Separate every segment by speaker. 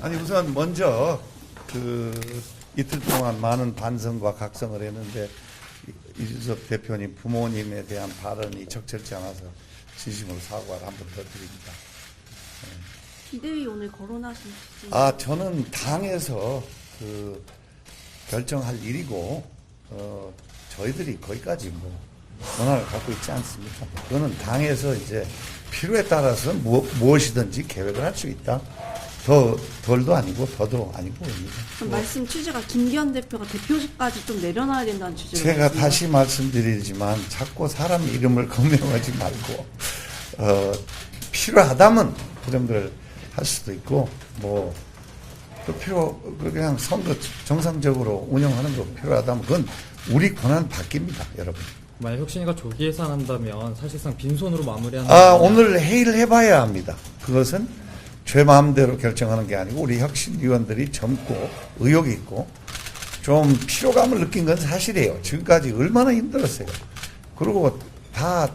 Speaker 1: 아니 우선 먼저 이틀 동안 많은 반성과 각성을 했는데 이준석 대표님 부모님에 대한 발언이 적절치 않아서 진심으로 사과를 한 번 더 드립니다.
Speaker 2: 비대위 오늘 거론하실지.
Speaker 1: 저는 당에서 결정할 일이고 저희들이 거기까지 권한을 갖고 있지 않습니까? 그거는 당에서 이제 필요에 따라서 무엇이든지 계획을 할 수 있다. 덜도 아니고 더도 아니고 입니다.
Speaker 2: 그럼 말씀 취지가 김기현 대표가 대표직까지 좀 내려놔야 된다는 취지로.
Speaker 1: 제가 다시 말씀드리지만 자꾸 사람 이름을 거명하지 말고 필요하다면 그런 걸 할 수도 있고 그냥 선거 정상적으로 운영하는 거 필요하다면 그건 우리 권한 바뀝니다, 여러분.
Speaker 3: 만약 혁신위가 조기 해산한다면 사실상 빈손으로 마무리하는.
Speaker 1: 오늘 회의를 해봐야 합니다. 그것은 제 마음대로 결정하는 게 아니고 우리 혁신위원들이 젊고 의욕이 있고 좀 피로감을 느낀 건 사실이에요. 지금까지 얼마나 힘들었어요. 그리고 다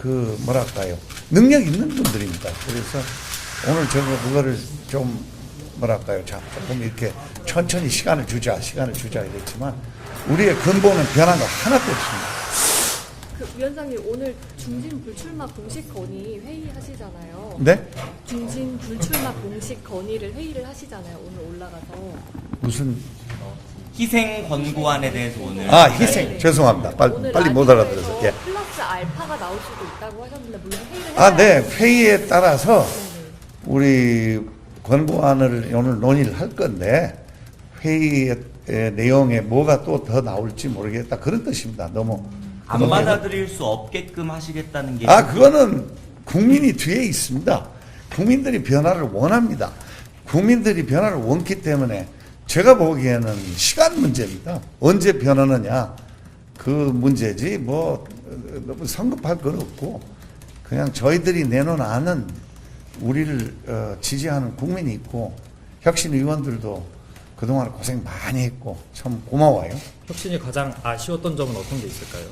Speaker 1: 능력 있는 분들입니다. 그래서 오늘 그거를 좀 조금 이렇게 천천히 시간을 주자 이랬지만 우리의 근본은 변한 거 하나도 없습니다.
Speaker 4: 위원장님 오늘 중진 불출마 공식 건의 회의하시잖아요.
Speaker 1: 네?
Speaker 4: 중진 불출마 공식 건의를 회의를 하시잖아요. 오늘 올라가서.
Speaker 1: 무슨
Speaker 5: 희생 권고안에 대해서 오늘
Speaker 1: 희생.
Speaker 4: 네.
Speaker 1: 죄송합니다. 빨리 못 알아들어서. 예.
Speaker 4: 플러스 알파가 나올 수도 있다고 하셨는데 물론 회의를 해야
Speaker 1: 네. 회의에 따라서 우리 권고안을 오늘 논의를 할 건데 회의의 내용에 뭐가 또 더 나올지 모르겠다. 그런 뜻입니다. 너무
Speaker 5: 안 받아들일 수 없게끔 하시겠다는 게
Speaker 1: 그거는 국민이 뒤에 있습니다. 국민들이 변화를 원합니다. 국민들이 변화를 원기 때문에 제가 보기에는 시간 문제입니다. 언제 변하느냐 그 문제지 너무 성급할 건 없고 그냥 저희들이 내놓은 우리를 지지하는 국민이 있고 혁신 의원들도 그동안 고생 많이 했고 참 고마워요.
Speaker 3: 혁신이 가장 아쉬웠던 점은 어떤 게 있을까요?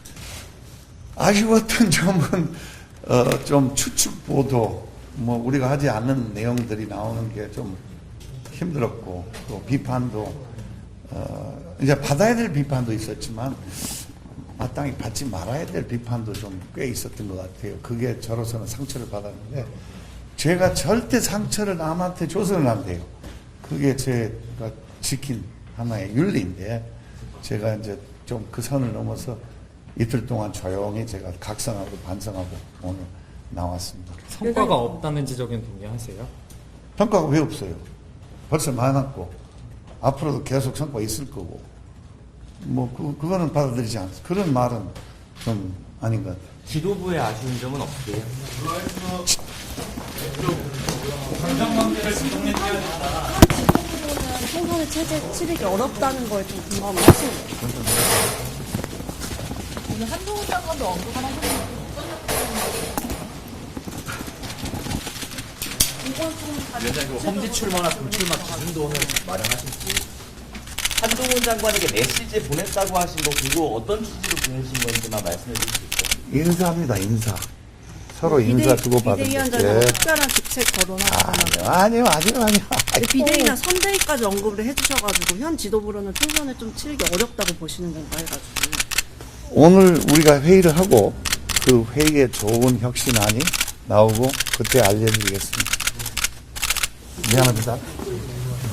Speaker 1: 아쉬웠던 점은 좀 추측 보도 우리가 하지 않는 내용들이 나오는 게 좀 힘들었고 또 비판도 이제 받아야 될 비판도 있었지만 마땅히 받지 말아야 될 비판도 좀 꽤 있었던 것 같아요. 그게 저로서는 상처를 받았는데 제가 절대 상처를 남한테 줘서는 안 돼요. 그게 제가 지킨 하나의 윤리인데 제가 이제 좀 그 선을 넘어서 이틀 동안 조용히 제가 각성하고 반성하고 오늘 나왔습니다.
Speaker 3: 성과가 없다는 지적엔 동의하세요?
Speaker 1: 평가가 왜 없어요? 벌써 많았고 앞으로도 계속 성과 있을 거고 그거는 받아들이지 않습니다. 그런 말은 좀 아닌 것 같아요.
Speaker 5: 지도부의 아쉬운 점은 없으세요?
Speaker 2: 총선의 치르기 어렵다는 거에 좀 공감을 하시는 거예요.
Speaker 4: 오늘 한동훈 장관도 언급을 하셨는데
Speaker 6: 위원장님 험지 출마나 불출마 기준도 오늘 마련하신지 한동훈 장관에게 메시지 보냈다고 하신 거 그거 어떤 취지로 보내신 건지만 말씀해 주실 수 있어요?
Speaker 1: 인사입니다. 인사. 서로 인사 주고받은
Speaker 2: 비대위원장하고
Speaker 1: 게.
Speaker 2: 특별한 직책 거론하셨잖아요.
Speaker 1: 아니요.
Speaker 2: 근데 비대위나 선대위까지 언급을 해주셔가지고 현 지도부로는 총선을 좀 치르기 어렵다고 보시는 건가 해가지고.
Speaker 1: 오늘 우리가 회의를 하고 그 회의에 좋은 혁신안이 나오고 그때 알려드리겠습니다. 미안합니다.